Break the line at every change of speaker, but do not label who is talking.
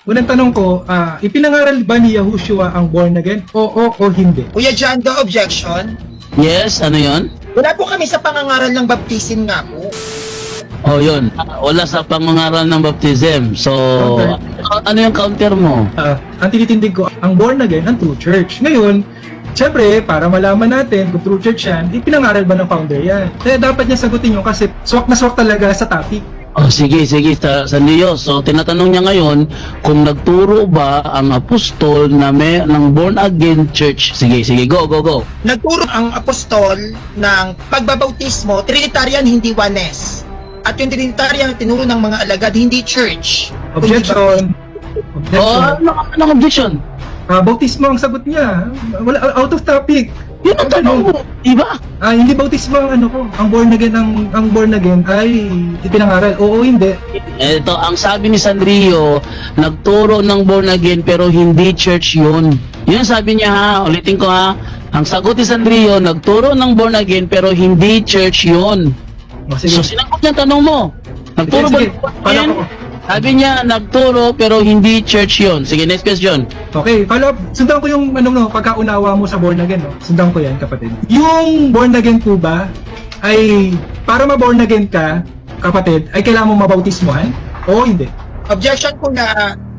Unang tanong ko, ipinangaral ba ni Yahushua ang born again? Oo o hindi?
Kuya John, the objection.
Yes, ano yon?
Wala po kami sa pangangaral ng baptisin nga po.
Oh, yun. Wala sa pangangaral ng baptism. So,
Okay.
ano yung counter mo?
Ang tinitindig ko, ang born again, ang true church. Ngayon, syempre, para malaman natin kung true church yan, ipinangaral ba ng founder yan? Kaya dapat niya sagutin yun kasi swak na swak talaga sa topic.
Oh, sige, sa Diyos. So, tinatanong niya ngayon kung nagturo ba ang apostol na ng born again church. Sige, go.
Nagturo ang apostol ng pagbabautismo, Trinitarian, hindi oneness. At yung Trinitarian, tinuro ng mga alagad, hindi church.
Objection.
Oh,
Objection.
ano objection?
Bautismo ang sagot niya. Wala, out of topic.
Yun ang tanong mo, di ba?
Hindi bautismo ang ano ko. Ang born again, ang born again ay ipinangaral. Oo, hindi.
Ito, ang sabi ni Sandrio, nagturo ng born again pero hindi church yun. Yun sabi niya ha, ulitin ko ha. Ang sagot ni Sandrio, nagturo ng born again pero hindi church yun.
Sige.
So, sinagot niya ang tanong mo. Nagturo ba
Sige.
ng born
Pala
again?
ko.
Sabi niya, nagturo pero hindi church yun. Sige, next question.
Okay, follow up. Sundan ko yung pagkaunawa mo sa born again, no? Sundan ko yan, kapatid. Yung born again po ba ay para ma-born again ka, kapatid, ay kailangan mo mabautismohan? Oo, hindi.
Objection po na